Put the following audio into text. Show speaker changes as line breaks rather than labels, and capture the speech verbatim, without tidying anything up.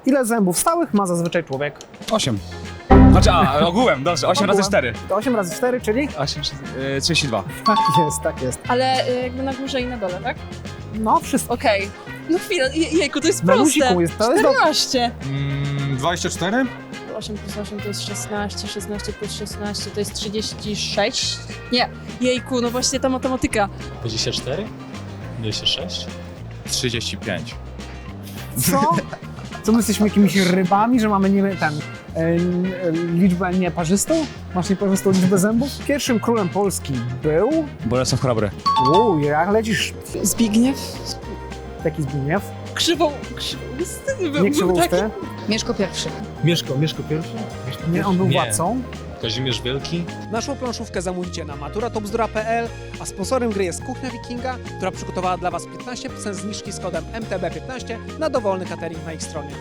Ile zębów stałych ma zazwyczaj człowiek?
osiem. Znaczy, a, ogółem, dobrze, osiem razy cztery.
To osiem razy cztery, czyli?
osiem, trzydzieści dwa.
Tak jest, tak jest.
Ale y, jakby na górze i na dole, tak?
No, wszystko.
Okej. No chwilę, je- jejku, to jest
Na
proste.
luziku jest, to jest do...
czternaście.
Mm, dwadzieścia cztery?
osiem plus osiem to jest szesnaście, szesnaście plus szesnaście to jest trzydzieści sześć? Nie, jejku, no właśnie ta matematyka.
dwadzieścia cztery? dwadzieścia sześć?
trzydzieści pięć.
Co? Co, my jesteśmy jakimiś rybami, że mamy nie ten... E, e, liczbę nieparzystą? Masz nieparzystą liczbę zębów? Pierwszym królem Polski był...
Bolesław Chrobry.
Uuu, jak lecisz?
Zbigniew?
Taki Zbigniew?
Krzywą, krzywousty był,
Nie
był
Krzywousty?
taki.
Mieszko pierwszy.
Mieszko, Mieszko pierwszy?
Nie, on był
Nie.
władcą.
Kazimierz Wielki?
Naszą planszówkę zamówicie na matura top bzdura kropka p l, a sponsorem gry jest Kuchnia Wikinga, która przygotowała dla Was piętnaście procent zniżki z kodem M T B piętnaście na dowolny catering na ich stronie.